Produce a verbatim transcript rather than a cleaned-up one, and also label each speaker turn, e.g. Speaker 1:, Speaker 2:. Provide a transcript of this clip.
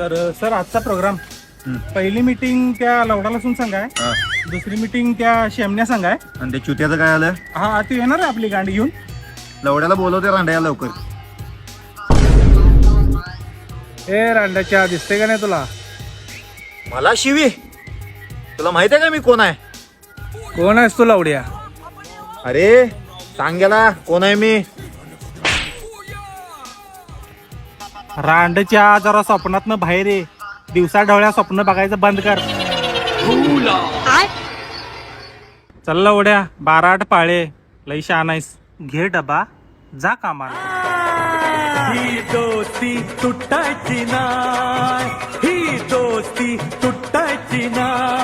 Speaker 1: तर सर आजचा प्रोग्राम पहिली मीटिंग त्या लवडा लसून संघ आहे,
Speaker 2: हा.
Speaker 1: दुसरी मीटिंग त्या शेमण्या संघ आहे.
Speaker 2: आणि ते चुत्याचं काय आलं?
Speaker 1: हा ती येणार आहे आपली गाडी घेऊन.
Speaker 2: लवड्याला बोलवते रांड्या लवकर.
Speaker 1: ए रांड्याच्या दिसते का नाही तुला?
Speaker 2: मला शिवी? तुला माहित आहे का मी कोण आहे?
Speaker 1: कोण आहेस तू लवड्या?
Speaker 2: अरे सांग गेला कोण आहे मी.
Speaker 1: रांडच्या जरा स्वप्नातनं बाहेर ये. दिवसा ढवळ्या स्वप्न बघायचं बंद कर. चल लवड्या, बारा आठ पाळे, लई शहाणा आहेस. घे डबा, जा कामाला.
Speaker 3: ही दोस्ती तुटायची नाय, ही दोस्ती तुटायची नाय.